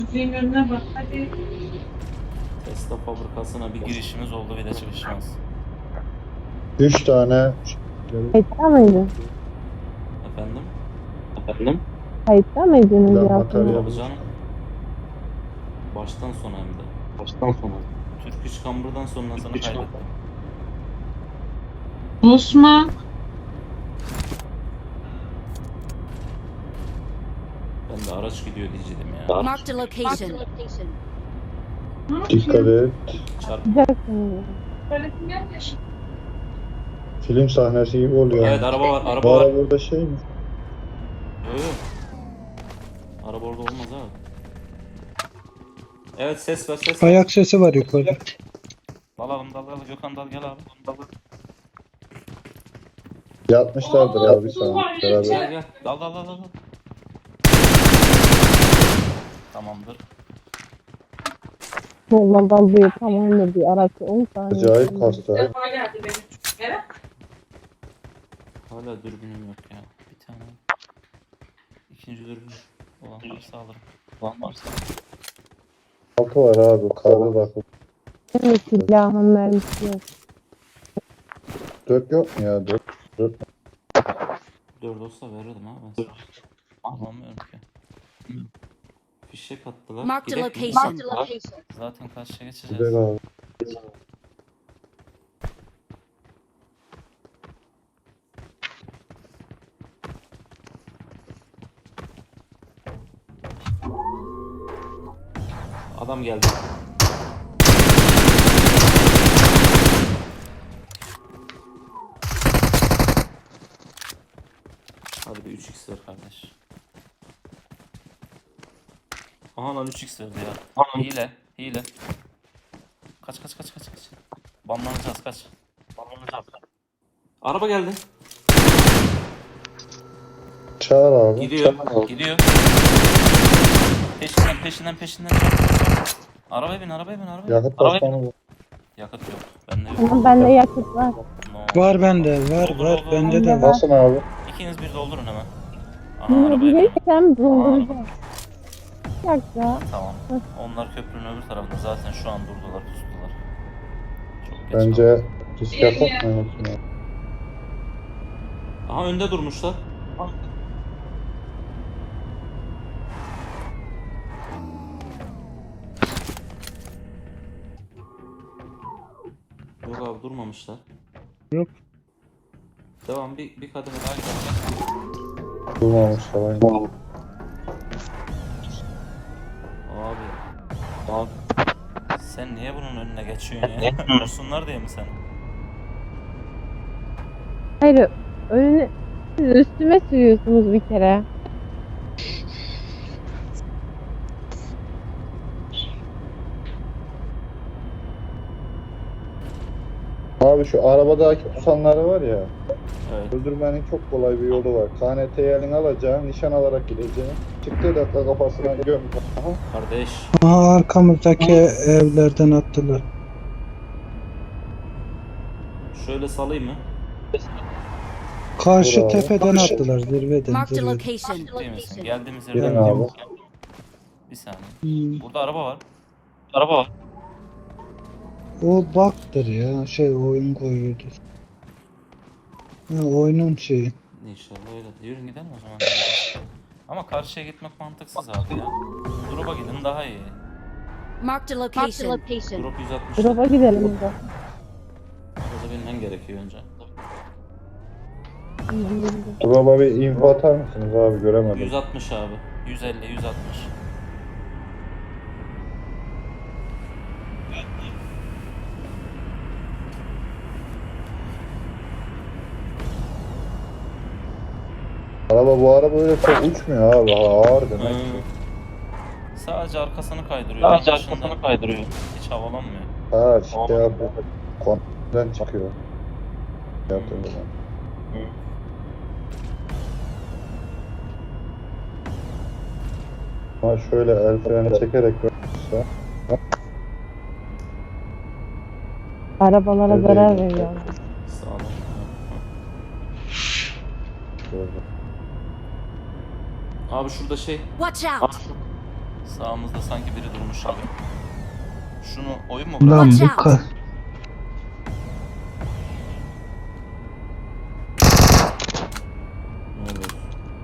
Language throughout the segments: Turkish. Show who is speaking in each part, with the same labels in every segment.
Speaker 1: Müziğin önüne bak hadi.
Speaker 2: Tesla fabrikasına bir girişimiz oldu, bir de çıkışımız.
Speaker 3: 3 tane
Speaker 4: Kayıtta mıydın?
Speaker 2: Efendim?
Speaker 4: Kayıtta mıydınız
Speaker 3: silah
Speaker 4: ya?
Speaker 3: materyali.
Speaker 2: Tabii canım. Baştan sona hem de. Türk İş Kambur'dan sonrasını kaydettim.
Speaker 1: Osman.
Speaker 2: Ben de araç gidiyor diyecektim ya.
Speaker 5: Marked a location.
Speaker 3: Dikkat et.
Speaker 2: Çarp.
Speaker 4: Yapacaksınız.
Speaker 1: Söylesin gelmiş.
Speaker 3: Film sahnesi gibi oluyor.
Speaker 2: Evet, araba var,
Speaker 3: Bu
Speaker 2: araba var.
Speaker 3: araba burada şey mi?
Speaker 2: Yok yok. Araba orada olmaz abi. Evet, ses ver, ses ver.
Speaker 6: Ayak sesi var yukarıda.
Speaker 2: Dalalım, Gökhan dal, gel abi.
Speaker 3: Yatmışlardır abi sana.
Speaker 2: Gel
Speaker 3: Beraber.
Speaker 2: gel. Dal. Tamamdır.
Speaker 4: Yoldan dalıyor tamamdır bir araç 10 saniye.
Speaker 3: Acayip hasta.
Speaker 1: Defa geldi benim çocuk eve.
Speaker 2: Hala dürbünüm yok ya. Bir tane. İkinci dürbün olan varsa alırım.
Speaker 3: Altı var abi. Karlı bak.
Speaker 4: Benim silahın mermisi yok.
Speaker 3: 4 yok mu ya? 4.
Speaker 2: 4 olsa verirdim ha ben sana. Anlamıyorum ki. Fişek attılar.
Speaker 5: Marked a
Speaker 2: Gidek mi?
Speaker 5: location.
Speaker 2: Zaten karşıya geçeceğiz.
Speaker 3: Güzel abi.
Speaker 2: Adam geldi. Hadi bir 3x ver kardeş. Aha lan 3x verdi ya. Hile. Kaç. Banlanacağız, kaç. Araba geldi.
Speaker 3: Çağır abi.
Speaker 2: Gidiyor. Peşinden. Arabaya bin.
Speaker 3: Yakıt basmanı bu.
Speaker 2: Yakıt yok. Bende yok.
Speaker 4: Ama bende yakıt var.
Speaker 2: No.
Speaker 6: Var bende, var bende de var.
Speaker 3: Basın abi.
Speaker 2: İkiniz bir doldurun hemen. Aha
Speaker 4: Bunu
Speaker 2: arabaya bin.
Speaker 4: bilirsem dolduracağım. Bir dakika.
Speaker 2: Tamam. Onlar köprünün öbür tarafında, zaten şu an durdular, pustular. Çok geç
Speaker 3: Bence risk yapmayalım.
Speaker 2: kaldı. Aha önde durmuşlar. Yok abi, durmamışlar.
Speaker 6: Yok.
Speaker 2: Devam, bir kademe daha gidelim.
Speaker 3: Durmamışlar aynen.
Speaker 2: Abi. Sen niye bunun önüne geçiyorsun ya? Vursunlar diye mi sen?
Speaker 4: Hayır önüne siz üstüme sürüyorsunuz bir kere.
Speaker 3: Abi şu arabadaki tutanları var ya.
Speaker 2: Evet.
Speaker 3: Öldürmenin çok kolay bir yolu var. KNT'yi elin alacaksın, nişan alarak gideceksin. Çıktığı dakika kafasına göm. Aha.
Speaker 2: Kardeş.
Speaker 6: Aha, arkamızdaki evlerden attılar.
Speaker 2: Şöyle salayım mı?
Speaker 6: Karşı
Speaker 3: Bravo.
Speaker 6: tepeden attılar zirveden.
Speaker 5: Marked a
Speaker 6: zirveden.
Speaker 5: location.
Speaker 2: Değil misin? Geldiğimiz
Speaker 3: Gelin
Speaker 2: yerden
Speaker 3: abi.
Speaker 2: gidiyoruz. Bir saniye. Burada araba var.
Speaker 6: O baktır ya, oyun koyuyordu. Ha, oyunun şeyi.
Speaker 2: İnşallah öyle. Yürüyün gidelim o zaman. Ama karşıya gitmek mantıksız abi ya. Drop'a gidin daha iyi.
Speaker 5: Marked a location.
Speaker 2: Drop 160.
Speaker 4: Drop'a gidelim burada.
Speaker 2: Orada binmen gerekiyor önce.
Speaker 3: Drop'a bir info atar mısınız abi, göremedim.
Speaker 2: 160 abi. 150, 160.
Speaker 3: Bu araba öyle çok uçmuyor abi, ağır demek ki.
Speaker 2: Sadece arkasını kaydırıyor. Hiç havalanmıyor.
Speaker 3: Ha şey yapıyor. Kontrolden çıkıyor. Yaptığım zaman. Ama şöyle el freni çekerek görürse.
Speaker 4: Arabalara
Speaker 3: Evet,
Speaker 4: zarar
Speaker 3: evet.
Speaker 4: veriyor.
Speaker 2: Sağ olun.
Speaker 3: Gördüm.
Speaker 2: Abi şurada şey,
Speaker 5: Watch out.
Speaker 2: Sağımızda sanki biri durmuş gibi. Şunu oyun mu
Speaker 6: Lan
Speaker 2: bırak?
Speaker 6: bu
Speaker 5: Watch out.
Speaker 2: Ne olur.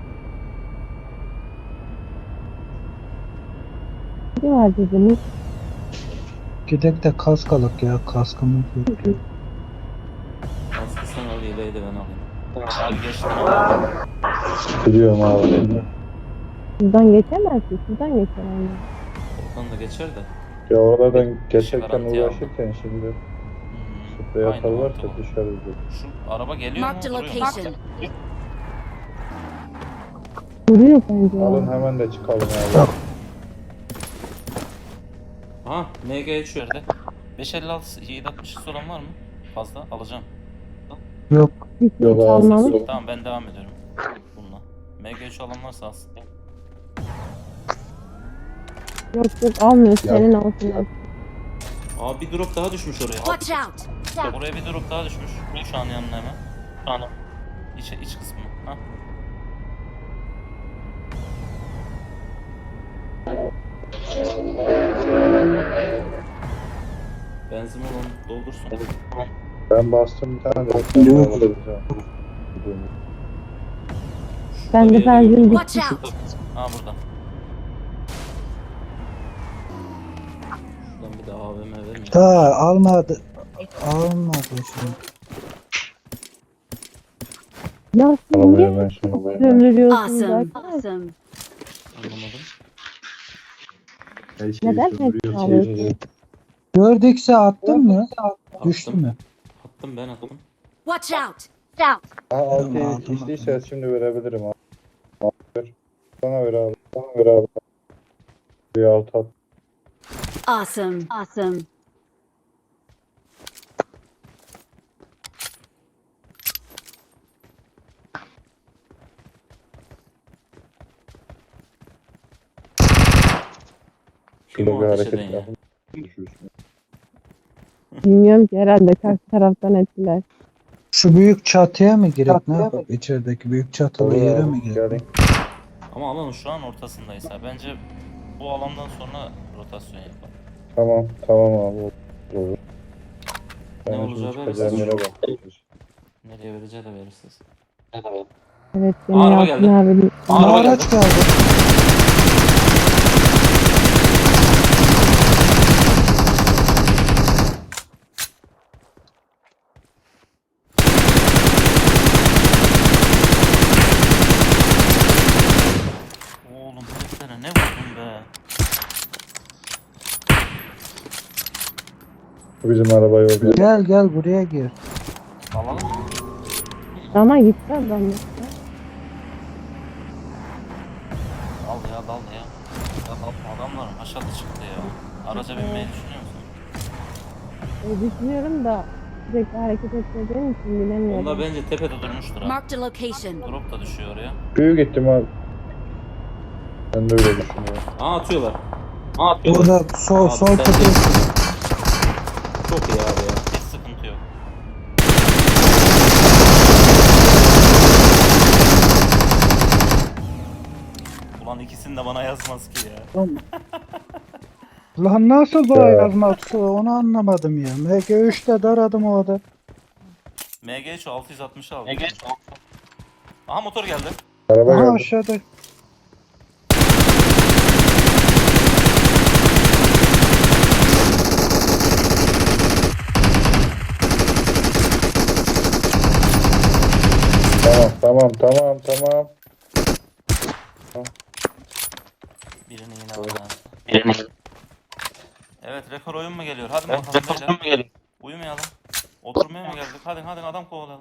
Speaker 4: Ne var dediniz?
Speaker 6: Gidek de kask alak ya, kaskımız yok.
Speaker 2: Aslında sen al, yeleği de ben alayım. Abi geçtim abi.
Speaker 3: Biliyorum abi.
Speaker 4: Şuradan geçemezsin. Şuradan geçemezsin.
Speaker 2: Oradan da geçer de.
Speaker 3: Ya oralardan geçerken
Speaker 2: Garanti
Speaker 3: uğraşırken şimdi sprey
Speaker 2: Aynen,
Speaker 3: atarlarsa
Speaker 2: oldu.
Speaker 3: dışarı gidiyor.
Speaker 2: Şu araba geliyor mu?
Speaker 5: Marked a
Speaker 2: Duruyor mu?
Speaker 5: location.
Speaker 4: Duruyor bence.
Speaker 3: Alın
Speaker 4: ya.
Speaker 3: hemen de çıkalım abi.
Speaker 2: Aha MG şu yerde. 556 760 olan var mı? Fazla alacağım.
Speaker 6: Yok.
Speaker 4: Hiç
Speaker 3: Yok abi.
Speaker 4: almamış.
Speaker 2: Tamam ben devam ediyorum bununla. MG3 olan varsa alsın.
Speaker 4: Yok yok almıyor. Senin olsun.
Speaker 2: Aa bir drop daha düşmüş oraya.
Speaker 5: Watch out.
Speaker 2: Oraya bir drop daha düşmüş. Şu an yanına hemen. Şu an iç kısmı. Ha. Benzin olan doldursun.
Speaker 3: Ben bastım bir tane de.
Speaker 6: Yok.
Speaker 4: Ben de benzin
Speaker 5: Watch
Speaker 4: bitti.
Speaker 5: out.
Speaker 2: Ha burada. Şuradan bir de AVM vermiyor.
Speaker 6: Ta almadı. Almadı şimdi.
Speaker 4: Ya siz
Speaker 3: Arabaya
Speaker 4: niye
Speaker 3: ben şimdi.
Speaker 4: sömürüyorsunuz
Speaker 5: Awesome.
Speaker 4: arkadaşlar?
Speaker 5: Awesome.
Speaker 2: Anlamadım.
Speaker 4: Neden hep alıyorsunuz?
Speaker 6: Gördükse attın mı? Düştü
Speaker 2: Attım.
Speaker 6: mü?
Speaker 2: Attım ben attım.
Speaker 5: Watch out.
Speaker 3: Aha
Speaker 6: Tamam,
Speaker 3: 6'yı
Speaker 6: tamam.
Speaker 3: içtiyse şimdi verebilirim abi. Ver. Bana ver abi. Bana ver abi. Bir altı at.
Speaker 5: Awesome. Awesome.
Speaker 2: Kim
Speaker 3: Şöyle
Speaker 2: o
Speaker 3: bir
Speaker 2: ateş
Speaker 3: hareket
Speaker 2: eden ya?
Speaker 3: yapın. Düşürsün.
Speaker 4: Bilmiyorum ki herhalde karşı taraftan ettiler.
Speaker 6: Şu büyük çatıya mı girek? Ne yapalım? İçerideki büyük çatılı
Speaker 3: Olur
Speaker 6: yere
Speaker 3: abi,
Speaker 6: mi girek?
Speaker 3: gelin.
Speaker 2: Ama alanın şu an ortasındayız ha. Bence bu alandan sonra rotasyon yapalım.
Speaker 3: Tamam tamam abi. Olur.
Speaker 2: Ne
Speaker 3: Ben
Speaker 2: olacağı
Speaker 3: şimdi çıkacağım
Speaker 2: belirsiz.
Speaker 3: yere bak.
Speaker 2: Nereye vereceği de belirsiz.
Speaker 4: Evet
Speaker 2: Aa,
Speaker 4: beni
Speaker 2: araba
Speaker 4: Yalçın
Speaker 2: geldi.
Speaker 4: abi.
Speaker 2: Araba
Speaker 6: Araç geldi.
Speaker 2: Oğlum heriflere ne vurdun be?
Speaker 3: Bu bizim araba yok.
Speaker 6: Gel gel buraya gir.
Speaker 2: Alalım mı?
Speaker 4: Ama gitti adam.
Speaker 2: Al ya dal ya. Adamlar aşağıda çıktı ya. Araca binmeyi düşünüyor musun?
Speaker 4: Düşünüyorum da sürekli hareket etmediğim için bilemiyorum.
Speaker 2: Onlar bence tepede durmuştur ha.
Speaker 5: Marked a location.
Speaker 2: Drop da düşüyor oraya.
Speaker 3: Büyük ihtimal. Ben de öyle düşünüyorum.
Speaker 2: Aa atıyorlar. Aa atıyorlar.
Speaker 6: Burada sol
Speaker 2: Abi,
Speaker 6: sol
Speaker 2: sen
Speaker 6: tepesi.
Speaker 2: de- Çok iyi abi ya. Hiç sıkıntı yok. Ulan ikisini de bana yazmaz ki ya.
Speaker 6: Lan nasıl bu
Speaker 3: Ya.
Speaker 6: yazması onu anlamadım ya. MG3'te daradım o adam.
Speaker 2: MG3 660 aldı. Aha motor geldi.
Speaker 3: Araba
Speaker 6: Aha
Speaker 3: geldi.
Speaker 6: aşağıda.
Speaker 3: Tamam.
Speaker 2: Birini yine aldı. Evet rekor oyun mu geliyor? Hadi bakalım beyler. Uyumayalım. Oturmaya mı geldik? Hadi adam kovalayalım.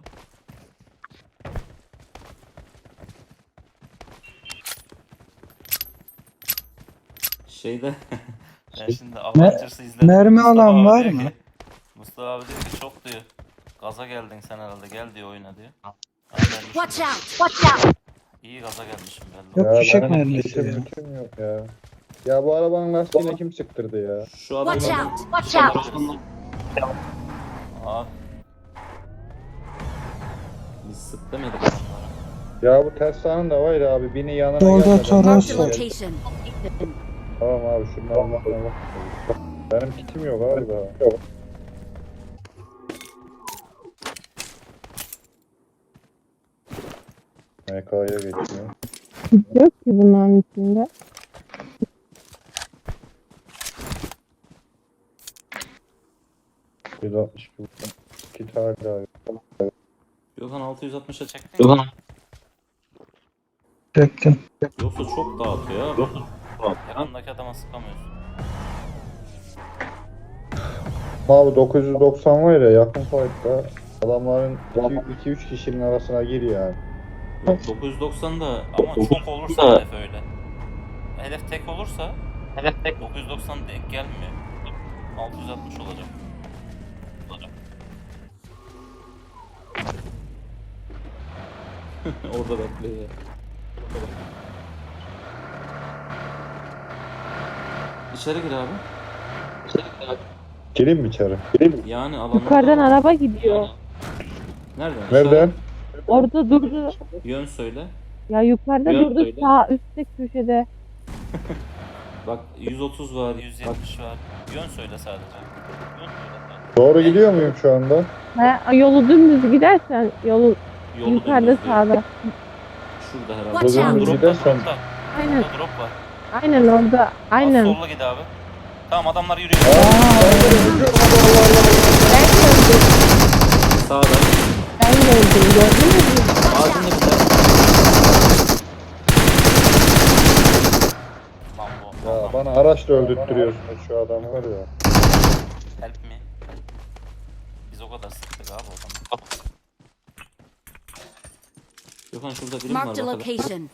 Speaker 2: Şeyde ben şimdi Avengers'ı izledim.
Speaker 6: mermi
Speaker 2: Mustafa
Speaker 6: alan
Speaker 2: abi
Speaker 6: var
Speaker 2: diyor
Speaker 6: mı?
Speaker 2: ki- Mustafa abi diyor ki çok diyor. Gaza geldin sen herhalde gel diyor oyna diyor. Aynen,
Speaker 5: Watch out. Watch out.
Speaker 2: İyi gaza gelmişim belli.
Speaker 6: Yok, fişek
Speaker 3: benim
Speaker 6: mermisi
Speaker 3: işim
Speaker 6: ya.
Speaker 3: gücüm yok ya. Ya bu arabanın lastiğini kim sıktırdı ya?
Speaker 2: Şu adam
Speaker 5: Watch out. Watch out.
Speaker 2: Aa. Biz sık demedik adamlara.
Speaker 3: Ya bu Tesla'nın da var ya abi bini yanına
Speaker 6: Solda
Speaker 3: gelmeden.
Speaker 6: Toros
Speaker 5: Marked a
Speaker 6: var.
Speaker 5: location.
Speaker 3: Tamam abi şunun almakla bak. Benim kitim yok abi daha. Yok. MK'ya geçiyor.
Speaker 4: Yok ki bunların içinde.
Speaker 3: Bir 62 vurdum. Kit hala yok.
Speaker 2: Gökhan 660'a çektin mi?
Speaker 6: Çektim.
Speaker 2: Yoksa çok dağıtıyor abi. Yanındaki adama sıkamıyorsun.
Speaker 3: Abi 990 var ya yakın fight'ta adamların 2-3 kişinin arasına gir yani.
Speaker 2: Yok 990 da ama çok olursa hedef öyle. Hedef tek olursa 990 denk gelmiyor. 660 olacak. Orada bekliyor. İçeri gir abi.
Speaker 3: Gireyim mi içeri? Gireyim mi?
Speaker 2: Yani alanı
Speaker 4: Yukarıdan araba gidiyor.
Speaker 2: Nereden?
Speaker 3: Nereden?
Speaker 4: Orada durdu.
Speaker 2: Yön söyle.
Speaker 4: Ya yukarıda
Speaker 2: Yön
Speaker 4: durdu
Speaker 2: söyle.
Speaker 4: sağ üstte köşede.
Speaker 2: Bak 130 var, 170 var. Yön söyle sadece. Yön söyle sadece.
Speaker 3: Doğru gidiyor muyum şu anda?
Speaker 4: Ha, yolu dümdüz gidersen yolu
Speaker 2: Yolu
Speaker 4: yukarıda
Speaker 2: dümdüz diyor.
Speaker 4: sağda.
Speaker 2: Şurada herhalde.
Speaker 5: Watch out.
Speaker 3: Dümdüz
Speaker 2: Drop var,
Speaker 3: gidersen
Speaker 2: dropta.
Speaker 4: Aynen.
Speaker 2: Burada drop var.
Speaker 4: Aynen orada.
Speaker 2: Az
Speaker 4: Aynen.
Speaker 2: solla git abi. Tamam adamlar yürüyor.
Speaker 4: Ben gördüm.
Speaker 2: Sağda.
Speaker 4: Ben gördüm. Gördün mü?
Speaker 2: Ağzında bir tane. Lan bu.
Speaker 3: Ya bana araçla öldürttürüyorsunuz şu adamı var ya.
Speaker 2: Help me. Biz o kadar sıktık abi o zaman. Gökhan şurada birim var
Speaker 5: Marked a
Speaker 2: bakalım.
Speaker 5: location.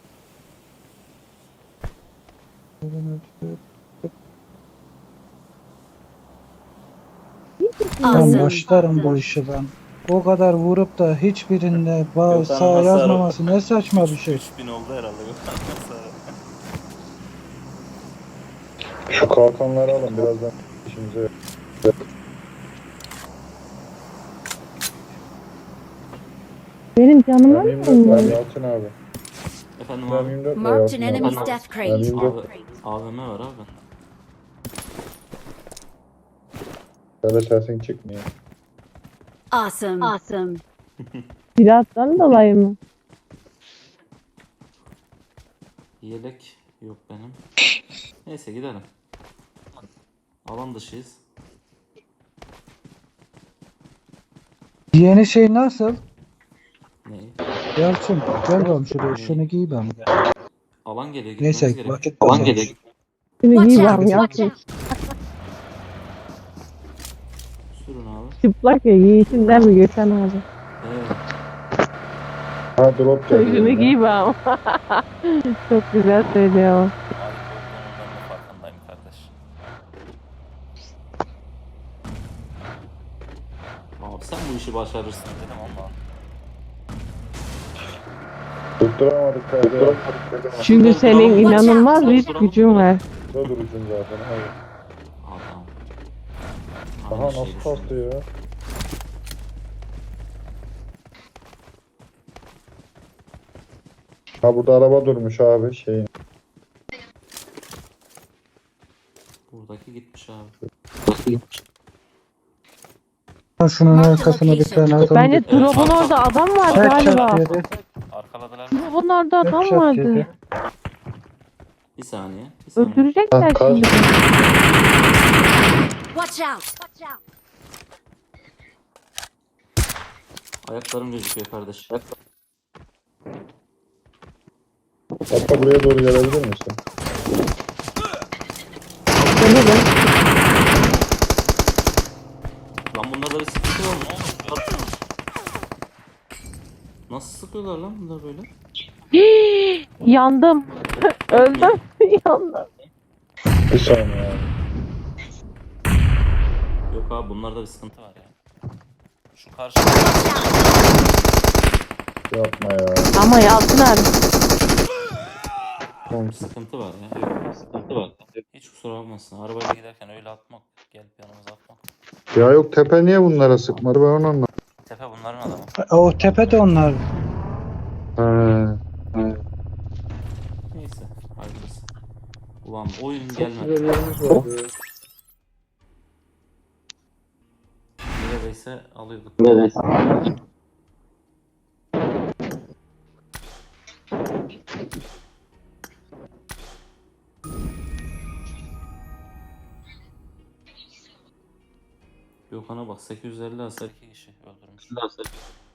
Speaker 6: Ben
Speaker 5: Awesome.
Speaker 6: başlarım bu işe ben. O kadar vurup da hiçbirinde
Speaker 2: Gökhan'ın
Speaker 6: sağ
Speaker 2: hasarı-
Speaker 6: yazmaması ne saçma bir şey.
Speaker 2: 3000 oldu herhalde Gökhan.
Speaker 3: Şu kalkanları alın birazdan işimize.
Speaker 4: Benim canıma
Speaker 3: Ben
Speaker 4: mı
Speaker 3: 24 var
Speaker 4: olmuş?
Speaker 3: Yalçın abi.
Speaker 2: Efendim
Speaker 3: Ben
Speaker 2: abi.
Speaker 3: 24 var
Speaker 5: Marked an
Speaker 3: Yalçın
Speaker 5: enemy's
Speaker 3: abi.
Speaker 5: death
Speaker 3: Ben
Speaker 5: crate.
Speaker 3: 24
Speaker 2: Abi AVM var abi.
Speaker 3: böyle sesin çıkmıyor.
Speaker 5: Awesome. Awesome.
Speaker 4: Silahtan dolayı mı?
Speaker 2: Yelek yok benim. Neyse gidelim. Alan dışıyız.
Speaker 6: Yeni şey nasıl?
Speaker 2: Neyi?
Speaker 6: Yalçın gel bakalım şuraya şunu giy ben.
Speaker 2: Alan geliyor.
Speaker 6: Neyse
Speaker 2: gitmemiz gerekiyor.
Speaker 6: vakit
Speaker 2: Alan
Speaker 6: kazanmış.
Speaker 2: geliyor.
Speaker 4: Şimdi
Speaker 5: Watch
Speaker 4: giy
Speaker 5: out.
Speaker 4: bakayım
Speaker 5: Watch
Speaker 4: Yalçın.
Speaker 5: out.
Speaker 2: Sürün abi.
Speaker 4: Çıplak ya giyişinden mi Gökhan abi?
Speaker 2: Evet.
Speaker 3: Ha drop
Speaker 4: Şunu
Speaker 3: geliyor.
Speaker 4: giy bakayım. Çok güzel söylüyor.
Speaker 2: Ait olduğundan da farkındayım kardeş. Abi sen bu işi başarırsın dedim ama.
Speaker 3: Tutturamadık kardeşim.
Speaker 4: Çünkü senin inanılmaz bir gücün var.
Speaker 3: Burada durursun zaten. Hayır.
Speaker 2: Adam.
Speaker 3: Aha
Speaker 2: Aynı şeyi
Speaker 3: nasıl kastı
Speaker 2: düşünüyorum.
Speaker 3: ya? Ha burada araba durmuş abi şeyin.
Speaker 2: Buradaki gitmiş abi.
Speaker 6: Şunun arkasına bir tane adam.
Speaker 4: Bence drop'un orada adam var galiba.
Speaker 6: Headshot yedi.
Speaker 2: Arkaladılar.
Speaker 4: Drop'un orada adam
Speaker 6: Headshot
Speaker 4: vardı.
Speaker 6: yedi.
Speaker 2: Bir saniye. Bir saniye.
Speaker 4: Öldürecekler
Speaker 3: Ha,
Speaker 4: şimdi.
Speaker 5: Watch out. Watch out.
Speaker 2: Ayaklarım gözüküyor kardeş.
Speaker 3: Hatta buraya doğru gelebilir misin?
Speaker 4: Gelirim.
Speaker 2: Lan bunlarda bir sıkıntı var mı? Ne olmuş? Nasıl sıkıyorlar lan bunlar böyle?
Speaker 4: Yandım. Öldüm. Yandım.
Speaker 3: Bir saniye abi.
Speaker 2: Yok abi bunlarda bir sıkıntı var ya. Şu karşı
Speaker 3: Yapma ya.
Speaker 4: Ama Yalçın abi.
Speaker 2: sıkıntı var ya. Yok sıkıntı var. Hiç kusura bakmasın. Arabayla giderken öyle atmak. Gelip yanımıza atmak.
Speaker 3: Ya yok tepe niye bunlara sıkmadı ben onu anlamadım.
Speaker 2: Tepe bunların adamı.
Speaker 6: O tepe de onlar.
Speaker 3: He.
Speaker 2: Neyse. Hayırlısı. Ulan oyun
Speaker 3: Çok
Speaker 2: gelmedi.
Speaker 3: güzel yerimiz vardı.
Speaker 2: Neredeyse alıyorduk. Gökhan'a bak 850 hasar 2 kişi öldürmüş.